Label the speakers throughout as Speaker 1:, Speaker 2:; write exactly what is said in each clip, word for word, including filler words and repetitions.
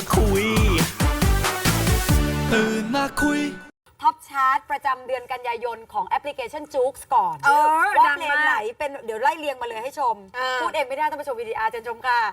Speaker 1: มาคุยตื่นมาคุย
Speaker 2: ท็อปชาร์ตประจำเดือนกันยายนของแอปพลิเคชันจู๊กก่อนว่าเพลงไหนเป็นเดี๋ยวไล่เรียงมาเลยให้ชมพูดเองไม่ได้ต้องไปชมวีดีอาร์เจนชมค่ะ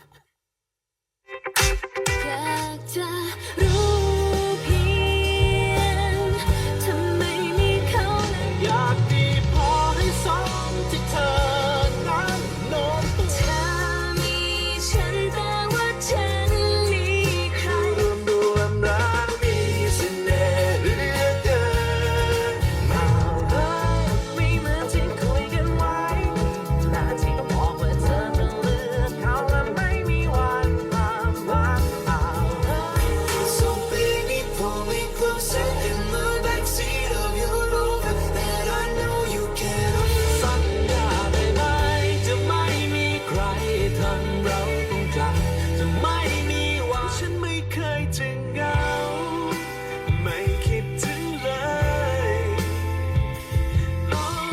Speaker 3: อยากจะรู้เพียงทำไมมีเขา
Speaker 1: อยากดีพอให้สมที่เธอนั้นโน้มตัว
Speaker 3: เธอมีฉันแต่ว่าฉันมีใคร
Speaker 1: รวมรวมรักมีเสน่ห์เหลือเกินมาเฮ้ยไม่เหมือนที่คุยกันไว้หน้าที่ต้องบอกว่าเธอจะเลือกเขาและไม่มีวันความรักเอา So baby pull me closer in the backseat of your Rover that I know you can สัญญาได้ไหมจะไม่มีใครทำเราต้องจากจะไม่มีวันฉันไม่เคยจะเหงาไม่คิดถึงเลยโอ้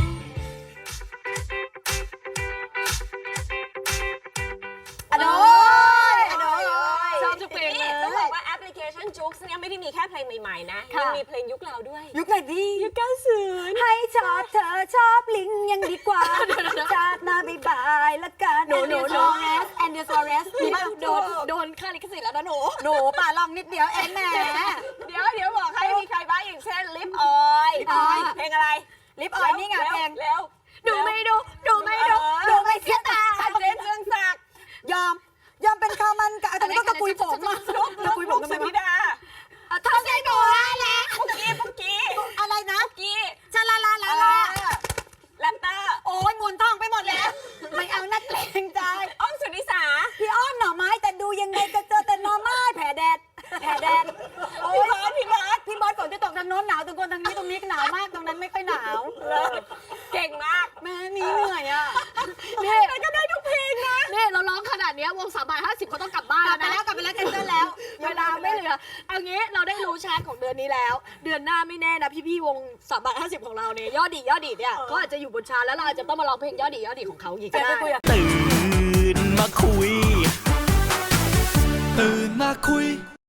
Speaker 2: อโดยอโดย
Speaker 4: ชอบทุกเพลงเลยต้องบอกว่าแอปพลิเคชันจุ๊กเนี่ยไม่ได้มีแค่เพลงใหม่ๆนะยังมีเพลงยุคเราด้วย
Speaker 2: ยุคไหนดี
Speaker 4: ยุคเก้าสิบ
Speaker 2: ให้ชอบเธอชอบลิงยังดีกว่าจากมาบายบายละกันหนูหนูหนูแอนเดอร์ซอเรสมีบ้าง
Speaker 4: โดนโดนค่าลิขสิทธิ์แล้วนะหนู
Speaker 2: หนูป่าลองนิดเดียวเองแหม
Speaker 4: เดี๋ยวเดี๋ยวบอกให้มีใครบ้างอย่างเช่นลิปออย
Speaker 2: ลิปออย
Speaker 4: เพลงอะไร
Speaker 2: ลิปออยนี่ไงเพลง
Speaker 4: เร็ว
Speaker 2: ดูไม่ดูดูไม่ดูดูไม่เสียตา
Speaker 4: เจนเรืองศักดิ์
Speaker 2: ยอมยอมเป็นข้าวมันกับแต่ไม่ต้องตะกุยผมอ่ะตะกุยผมทำไม
Speaker 4: สุธิ
Speaker 2: วะ
Speaker 4: ดา
Speaker 2: ทำใจหนูแล้ว
Speaker 4: ปุกกี้ปุกกี้
Speaker 2: อะไรนะ
Speaker 4: ปุกกี้
Speaker 2: ชาลาลาลาลา
Speaker 4: แรปเตอร์
Speaker 2: โอ้ยมวนท้องไปหมดแล้วไม่เอานักเลงใจ
Speaker 4: อ้อมสุนิสา
Speaker 2: พี่อ้อมหน่อไม้แต่ดูยังไงก็เจอแต่หน่อไม้แผลแดดแผลแดดโอ้
Speaker 4: พี่
Speaker 2: ย
Speaker 4: บอสพี่บอส
Speaker 2: พี่บอสฝนจะตกทางโน้นหนาวตรงคนทางนี้ตรงนี้หนาวมากตรงนั้นไม่ค่อยหนาว
Speaker 4: เก่งมาก
Speaker 2: แม่นี่เหนื่อยอ่ะ
Speaker 4: นี่มันก็ได้ทุกเพลงนะ
Speaker 5: นี่เราร้องขนาดนี้วงสามบาทห้าสิบเขาต้องกลับบ้าน
Speaker 2: กลับ
Speaker 5: แล้ว
Speaker 2: ไป
Speaker 5: นะ
Speaker 2: แล้วกลับไปแล้วแคนเซิลแล้ว
Speaker 5: เวลาไม่เหลือเอางี้เราได้รู้ชาร์ตของเดือนนี้แล้ว เดือนหน้าไม่แน่นะพี่ๆวงสามบาทห้าสิบของเราเนี่ยยอดดียอดดีเนี่ยเขาอาจจะอยู่บนชาร์ตแล้วเราอาจจะต้องมาร้องเพลงยอดดียอดดีของเขาอีกก็ได้
Speaker 1: ตื่นมาคุยตื่นมาคุย